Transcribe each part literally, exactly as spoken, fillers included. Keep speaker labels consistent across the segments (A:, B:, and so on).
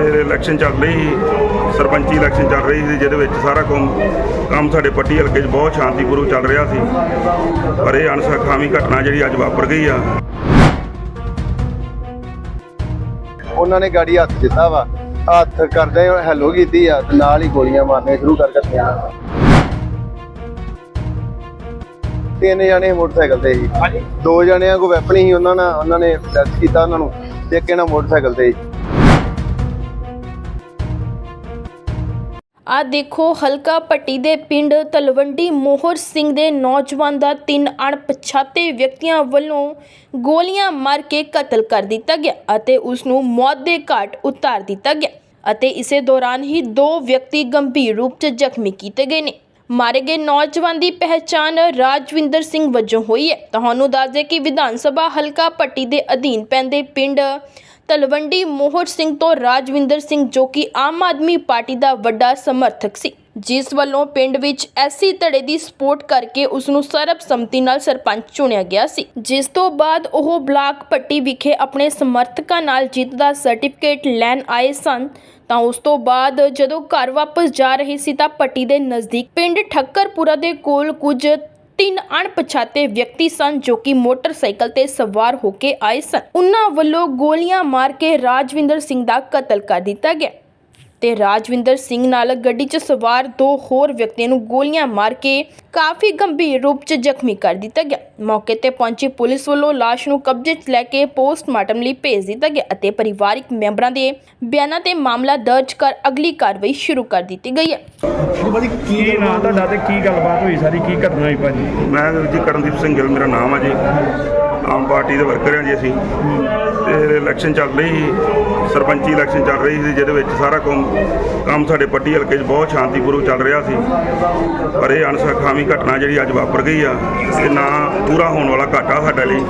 A: Election चल रही सरपंची election चल रही थी जिहदे विच सारा काम काम साडे पट्टी हल्के बहुत शांतिपूर्वक चल रहा सी पर यह अणसुखावी घटना जिहड़ी अज वापर गई आ
B: उन्होंने गाड़ी हथ दिता वा हथ करदे हैलो कीती आ ते नाल ही गोलियां मारनियां शुरू कर दित्तियां। तीन जने मोटरसाइकिल ते ही दो जणियां को वैपन ही उन्होंने उन्होंने टच किया उन्होंने एक इन्हां मोटरसाइकिल ते ही।
C: आ देखो हल्का पट्टी दे पिंड तलवंडी मोहर सिंह दे नौजवान दा तीन अणपछाते व्यक्तियों वालों गोलियां मार के कतल कर दिता गया अते उसनूं मौत दे घाट उतार दिता गया अते इसे दौरान ही दो व्यक्ति गंभीर रूप च जख्मी किए गए ने। मारे गए नौजवान की पहचान राजविंदर सिंह वजों हुई है। तुहानूं दस दे कि विधान सभा हल्का पट्टी दे अधीन पैंदे पिंड तलवंडी मोहर सिंह तो राजविंदर सिंह जो कि आम आदमी पार्टी का वड्डा समर्थक सी जिस वालों पिंड विच ऐसी धड़े की सपोर्ट करके उसनूं सर्बसम्मति नाल सरपंच चुनिया गया सी जिस तो बाद ओह ब्लाक पट्टी विखे अपने समर्थकों नाल जीत का सर्टिफिकेट लैन आए सन ਤਾਂ ਉਸ ਤੋਂ ਬਾਅਦ ਜਦੋਂ ਘਰ ਵਾਪਸ ਜਾ ਰਹੇ ਸੀ ਤਾਂ ਪੱਟੀ ਦੇ ਨਜ਼ਦੀਕ ਪਿੰਡ ਠੱਕਰਪੁਰਾ ਦੇ ਕੋਲ ਕੁਝ तीन अणपछाते व्यक्ति सन जो कि मोटरसाइकिल ते सवार होके आए सन। उन्हां वल्लों गोलियां मार के राजविंदर सिंह दा कतल कर दिता गया ते राजविंदर सिंह नाल गड्डी च सवार दो होर व्यक्तियों नूं गोलियां मार के काफ़ी गंभीर रूप च जख्मी कर दिता गया। मौके ते पहुंची पुलिस वालों लाश नूं कब्जे च लैके पोस्टमार्टम लई भेज दिता गया अते परिवारिक मैंबरां दे बयानां ते मामला दर्ज कर अगली कार्रवाई शुरू कर दी गई है।
D: ਕੀ ਨਾਮ ਤੁਹਾਡਾ ਤੇ ਕੀ ਗੱਲਬਾਤ ਹੋਈ ਸਾਰੀ ਕੀ ਘਟਨਾ ਹੋਈ ਭਾਜੀ?
A: मैं जी करनदीप सिंह गिल मेरा नाम है जी आम पार्टी के वर्कर हैं जी असी ते इलैक्शन चल रही सरपंची इलैक्शन चल रही थी जिहदे विच सारा काम काम साडे पट्टी हल्के बहुत शांतिपूर्वक चल रहा सी पर यह अणसुखावी घटना जिहड़ी अज वापर गई आ ते ना पूरा होने वाला घाटा साडे लई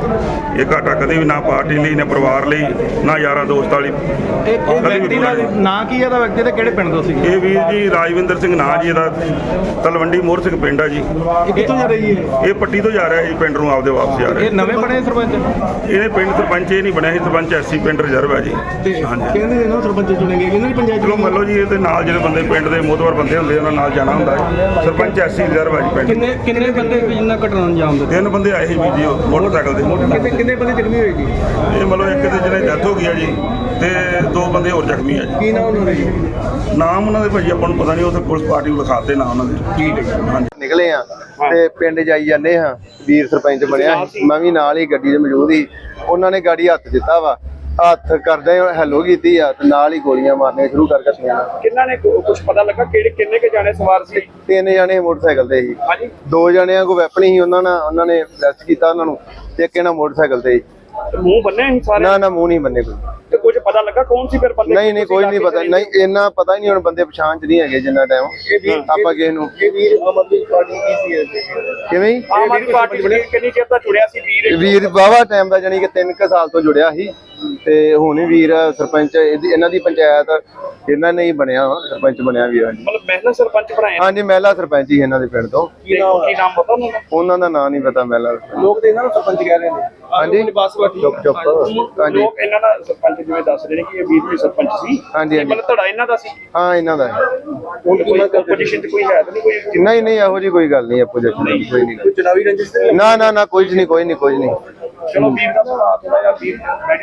A: ये घाटा कदे भी ना पार्टी लई ना परिवार लई ना यारां दोस्तां लई
D: ਵਿਅਕਤੀ ਦਾ ਨਾਂ ਕੀ ਹੈ ਦਾ ਵਿਅਕਤੀ ਤੇ ਕਿਹੜੇ ਪਿੰਡ ਤੋਂ ਸੀ?
A: ਇਹ ਵੀਰ ਜੀ ਰਾਜਵਿੰਦਰ ਸਿੰਘ ਨਾਂ ਜੀ ਇਹਦਾ ਤਲਵੰਡੀ ਮੋਹਰ ਸਿੰਘ ਪਿੰਡ ਆ ਜੀ।
D: ਇਹ ਕਿੱਥੋਂ ਜਾ ਰਹੀ ਹੈ?
A: ਇਹ ਪੱਟੀ ਤੋਂ ਜਾ ਰਿਹਾ ਜੀ ਪਿੰਡ ਨੂੰ ਆਪਦੇ ਵਾਪਸ ਜਾ ਰਿਹਾ।
D: ਇਹ ਨਵੇਂ ਬਣੇ ਸਰਪੰਚ?
A: ਇਹਨੇ ਪਿੰਡ ਸਰਪੰਚ ਇਹ ਨਹੀਂ ਬਣਿਆ ਸੀ ਸਰਪੰਚ ਐਸੀ ਪਿੰਡ ਰਿਜ਼ਰਵ ਹੈ ਜੀ। ਹਾਂਜੀ
D: ਕਹਿੰਦੇ ਇਹਨਾਂ ਸਰਪੰਚ ਚੁਣੇਗੇ ਇਹਨਾਂ ਦੀ ਪੰਚਾਇਤ
A: ਚਲੋ ਮੰਨ ਲਓ ਜੀ ਇਹਦੇ ਨਾਲ ਜਿਹੜੇ ਬੰਦੇ ਪਿੰਡ ਦੇ ਮੋਹਤਵਰ ਬੰਦੇ ਹੁੰਦੇ ਉਹਨਾਂ ਨਾਲ ਜਾਣਾ ਹੁੰਦਾ ਹੈ। ਸਰਪੰਚ ਐਸੀ ਰਿਜ਼ਰਵ ਹੈ ਜੀ ਪਿੰਡ।
D: ਕਿੰਨੇ ਕਿੰਨੇ ਬੰਦੇ ਜਿੰਨਾ ਘਟਨਾ ਅੰਜਾਮ ਦਿੱਤਾ?
A: ਤਿੰਨ ਬੰਦੇ ਆਏ ਸੀ ਵੀਰ ਜੀ ਉਹ ਮੋਟਰਸਾਈਕਲ ਦੇ।
D: ਕਿੰਨੇ ਕਿੰਨੇ ਬੰਦੇ ਜ਼ਖਮੀ ਹੋਏ ਜੀ?
A: ਇਹ ਮੰਨ ਲਓ ਇੱਕ ਦੇ ਜਿਹਨੇ ਡੈਥ ਹੋ ਗਈ ਹੈ ਜੀ ਤੇ ਦੋ ਬੰਦੇ ਹੋਰ ਜ਼ਖਮੀ ਹੈ ਜੀ।
D: ਕੀ ਨਾਮ ਉਹਨਾਂ ਦਾ ਜੀ?
A: ਨਾਮ ਉਹਨਾਂ ਦੇ ਭਾਜੀ ਆਪਾਂ ਨੂੰ ਪਤਾ ਨਹੀਂ, ਉਹ ਤਾਂ ਪੁਲਿਸ ਪਾਰਟੀ ਨੂੰ ਲਿਖਾਤੇ ਨਾ ਉਹਨਾਂ ਦੇ।
D: ਠੀਕ ਹੈ।
A: ਹਾਂਜੀ
B: ਨਿਕਲੇ ਆ ਤੇ ਪਿੰਡ ਜਾਈ ਜਾਂਦੇ ਹਾਂ ਵੀਰ ਸਰਪੰਚ ਬਣਿਆ ਮੈਂ ਵੀ ਨਾਲ ਹੀ ਗੱਡੀ 'ਚ ਮੌਜੂਦ ਹੀ ਉਹਨਾਂ ਨੇ ਗਾੜੀ ਹੱਥ ਦਿੱਤਾ ਵਾ ਹੱਥ ਕਰਦੇ ਹੈਲੋ ਕੀਤੀ ਆ ਤੇ ਨਾਲ ਹੀ ਗੋਲੀਆਂ ਮਾਰਨੀਆਂ ਸ਼ੁਰੂ ਕਰ ਦਿੱਤੀਆਂ।
E: ਕਿੰਨਾਂ ਨੇ ਕੁਝ ਪਤਾ ਲੱਗਾ ਕਿਹੜੇ ਕਿੰਨੇ ਕੇ ਜਾਣੇ ਸਵਾਰ ਸੀ?
B: ਤਿੰਨ ਜਣੇ ਮੋਟਰਸਾਈਕਲ ਤੇ ਹੀ
E: ਹਾਂਜੀ
B: ਦੋ ਜਣਿਆਂ ਕੋ ਵੈਪਨ ਹੀ ਉਹਨਾਂ ਨੇ ਉਹਨਾਂ ਨੇ ਟੱਚ ਕੀਤਾ ਉਹਨਾਂ ਨੂੰ ਤੇ ਇੱਕ ਇਹਨਾਂ ਮੋਟਰਸਾਈਕਲ ਤੇ ਹੀ।
E: ਤੇ ਮੂੰਹ ਬੰਨੇ ਸੀ ਸਾਰੇ?
B: ਨਾ ਨਾ ਮੂੰਹ ਨਹੀਂ ਬੰਨੇ ਕੋਈ।
E: ਤੇ ਕੁਝ ਪਤਾ ਲੱਗਾ ਕੌਣ ਸੀ ਫਿਰ ਬੰਦੇ?
B: ਨਹੀਂ ਨਹੀਂ ਕੋਈ ਨਹੀਂ ਪਤਾ ਨਹੀਂ ਇੰਨਾ ਪਤਾ ਹੀ ਨਹੀਂ ਹੁਣ ਬੰਦੇ ਪਛਾਣ ਚ ਨਹੀਂ ਹੈਗੇ ਜਿੰਨਾ ਟਾਈਮ ਆਪਾਂ ਕਿਸੇ ਨੂੰ।
E: ਇਹ ਵੀਰ ਆਮ ਆਦਮੀ ਪਾਰਟੀ ਕੀ ਸੀ?
B: ਕਿਵੇਂ ਜੀ?
E: ਆਮ ਆਦਮੀ ਪਾਰਟੀ ਨੇ ਕਿੰਨੀ ਚਿਰ ਦਾ ਜੁੜਿਆ ਸੀ ਵੀਰ?
B: ਵੀਰ ਵਾਹਵਾ ਟਾਈਮ ਦਾ ਜਾਨੀ ਕਿ ਤਿੰਨ ਕੁ ਸਾਲ ਤੋਂ ਜੁੜਿਆ ਸੀ ਤੇ ਹੁਣ ਵੀ ਵੀਰ ਸਰਪੰਚ ਇਹਦੀ ਇਹਨਾਂ ਦੀ ਪੰਚਾਇਤ ਇਹਨਾਂ ਨੇ ਹੀ ਬਣਿਆ ਵਾ ਸਰਪੰਚ ਬਣਿਆ ਵੀਰ।
E: ਮਤਲਬ ਮਹਿਲਾ ਸਰਪੰਚ ਬਣਾਇਆ?
B: ਹਾਂਜੀ ਮਹਿਲਾ ਸਰਪੰਚ ਹੀ ਇਹਨਾਂ ਦੇ ਪਿੰਡ ਤੋਂ।
E: ਕੀ ਨਾਮ ਕੀ ਨਾਮ ਪਤਾ ਉਹਨਾਂ ਦਾ?
B: ਉਹਨਾਂ ਦਾ ਨਾਂ ਨਹੀਂ ਪਤਾ ਮਹਿਲਾ।
E: ਲੋਕ ਤੇ ਇਹਨਾਂ ਨੂੰ ਸਰਪੰਚ ਕਹਿ ਰਹੇ ਨੇ।
B: ਹਾਂਜੀ ਚੁੱਪ ਚੁੱਪ ਹਾਂਜੀ
E: ਲੋਕ ਇਹਨਾਂ ਦਾ ਸਰਪੰਚ ਜਿਵੇਂ ਦੱਸ ਰਹੇ ਨੇ ਕਿ ਇਹ ਵੀਰ ਵੀ ਸਰਪੰਚ ਸੀ।
B: ਹਾਂਜੀ ਹਾਂਜੀ
E: ਮਤਲਬ ਧੜਾ ਇਹਨਾਂ ਦਾ ਸੀ?
B: ਹਾਂ ਇਹਨਾਂ ਦਾ
E: ਹੁਣ ਕੋਈ ਕੰਪੀਟੀਸ਼ਨ ਤੇ ਕੋਈ ਹੈ ਤਾਂ ਨਹੀਂ ਕੋਈ?
B: ਨਹੀਂ ਨਹੀਂ ਇਹੋ ਜੀ ਕੋਈ ਗੱਲ ਨਹੀਂ ਆਪੋਜੀਸ਼ਨ ਕੋਈ ਨਹੀਂ।
E: ਚੁਣਾਵੀ ਰੰਜਿਸ਼?
B: ਨਾ ਨਾ ਨਾ ਕੋਈ ਨਹੀਂ ਕੋਈ ਨਹੀਂ ਕੋਈ ਨਹੀਂ।
E: ਚਲੋ ਵੀਰ ਦਾ ਥੋੜਾ ਜਿਹਾ ਵੀਰ